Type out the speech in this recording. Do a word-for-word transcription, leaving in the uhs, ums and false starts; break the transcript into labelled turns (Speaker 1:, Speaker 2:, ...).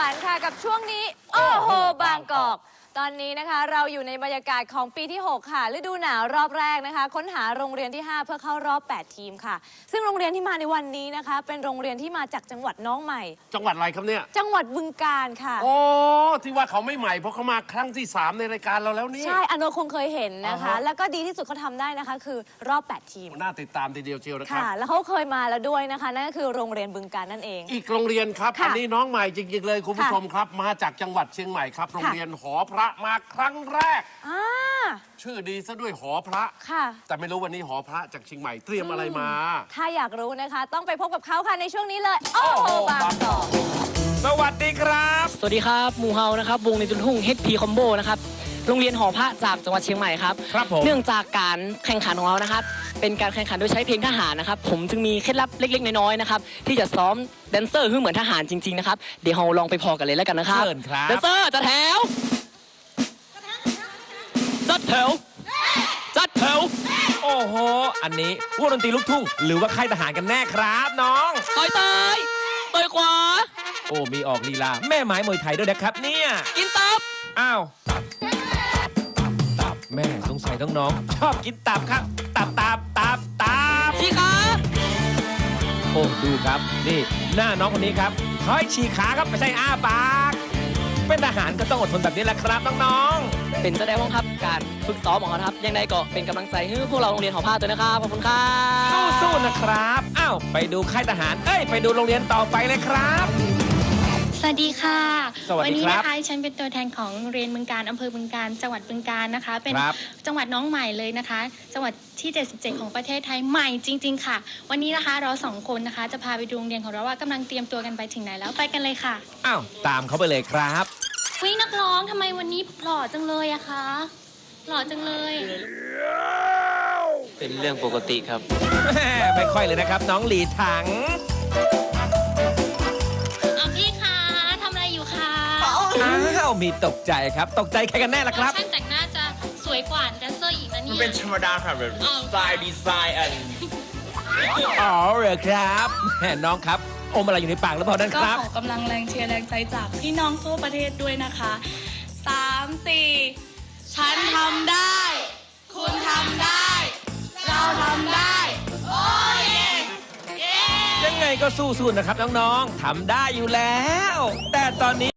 Speaker 1: านค่ะกับช่วงนี้โอ้โหบางกอกตอนนี้นะคะเราอยู่ในบรรยากาศของปีที่หกค่ะฤดูหนาวรอบแรกนะคะค้นหาโรงเรียนที่ห้าเพื่อเข้ารอบแปดทีมค่ะซึ่งโรงเรียนที่มาในวันนี้นะคะเป็นโรงเรียนที่มาจากจังหวัดน้องใหม่
Speaker 2: จังหวัดอะไรครับเนี่ย
Speaker 1: จังหวัดบึงกาฬค่ะ
Speaker 2: โอ้ที่ว่าเขาไม่ใหม่เพราะเขามาครั้งที่สามในรายการเราแล้วนี่
Speaker 1: ใช่อโนคงเคยเห็นนะคะแล้วก็ดีที่สุดเขาทำได้นะคะคือรอบแปดทีม
Speaker 2: น่าติดตามทีเดียวเชียวนะครับ
Speaker 1: ค่ะแล้วเขาเคยมาแล้วด้วยนะคะนั่นก็คือโรงเรียนบึงกาฬนั่นเอง
Speaker 2: อีกโรงเรียนครับอันนี้น้องใหม่จริงๆเลยคุณผู้ชมครับมาจากจังหวัดเชียงใหม่ครับโรงเรียนหอพระมาครั้งแรกชื่อดีซะด้วยหอพระ
Speaker 1: ค่ะ
Speaker 2: แต่ไม่รู้วันนี้หอพระจากเชียงใหม่เตรียมอะไรมา
Speaker 1: ถ้าอยากรู้นะคะต้องไปพบกับเขาค่ะในช่วงนี้เลยโอ้โหบางกอก
Speaker 2: สวัสดีครับ
Speaker 3: สวัสดีครับหมู่เฮานะครับวงในจุนทุ่ง เอช พี Combo นะครับโรงเรียนหอพระจากจังหวัดเชียงใหม่ครับ
Speaker 2: ครับผม
Speaker 3: เนื่องจากการแข่งขันของเรานะครับเป็นการแข่งขันโดยใช้เพลงทหารนะครับผมจึงมีเคล็ดลับเล็กๆน้อยๆนะครับที่จะซ้อมแดนเซอร์ให้เหมือนทหารจริงๆนะครับเดี๋ยวเราลองไปพอกันเลยแล้วกันนะครับ
Speaker 2: เชิญครับ
Speaker 3: แดนเซอร์จัดแถวจัดแถวจัดแถว
Speaker 4: โอ้โหอันนี้วงดนตรีลูกทุ่งหรือว่าค่ายทหารกันแน่ครับน้อง
Speaker 3: ต่อยต่อยต่อยขวา
Speaker 4: โอ้มีออกลีลาแม่ไม้มวยไทยด้วยนะครับเนี่ย
Speaker 3: กินตับ
Speaker 4: อ้าวตับแม่สงสัยน้องๆชอบกินตับครับตับตับตับตับ
Speaker 3: ชี้ขา
Speaker 4: โอ้ดูครับนี่หน้าน้องคนนี้ครับคอยฉีกขาครับไม่ใช่อ้าปากเป็นทหารก็ต้องอดทนแบบนี้แหละครับน้อง
Speaker 3: ๆเป็นแสดงว่าครับการฝึกซ้อมของเขาครับยังไงก็เป็นกำลังใจให้พวกเราโรงเรียนหอผ้าตัวนะครับขอบคุณครับ
Speaker 4: สู้ๆนะครับอ้าวไปดูค่ายทหารเอ้ยไปดูโรงเรียนต่อไปเลยครับ
Speaker 5: สวัสดีค่ะ
Speaker 4: วัน
Speaker 5: นี้นะคะฉันเป็นตัวแทนของโรงเรียนบึงกาฬอำเภอบึงกาฬจังหวัดบึงกาฬนะคะเป็นจังหวัดน้องใหม่เลยนะคะจังหวัดที่เจ็ดสิบเจ็ดของประเทศไทยใหม่จริงๆค่ะวันนี้นะคะเราสองคนนะคะจะพาไปดูโรงเรียนของเราว่ากำลังเตรียมตัวกันไปถึงไหนแล้วไปกันเลยค่ะ
Speaker 4: อ้าวตามเขาไปเลยครับ
Speaker 5: วินักร้องทำไมวันนี้หล่อจังเลยอะคะหล่อจังเลย
Speaker 3: เป็นเรื่องปกติครับ
Speaker 4: ไม่ค่อยเลยนะครับน้องหลีถัง
Speaker 5: เอาพี่คะทำอะไรอยู่คะ
Speaker 4: อ้าวมีตกใจครับตกใจใครกันแน่ล่ะครับ
Speaker 5: ช่างแต่งหน้าจะสวยกว่าแดนเซอร์อีกนะเนี่ย
Speaker 6: เป็นธรรมดาครับแบบสไตล์ดีไซน์อัน
Speaker 4: อ๋อเหรอครับแม่น้องครับอมอะไรอยู่ในปากหรือเปล่านั่นครับ
Speaker 7: ก็ขอกำลังแรงเชียร์แรงใจจากพี่น้องทั่วประเทศด้วยนะคะสามสี่ฉันทำได้ คุณทำได้ เราทำได้โอ้ย
Speaker 4: ยังไงก็สู้ๆนะครับน้องๆทำได้อยู่แล้วแต่ตอนนี้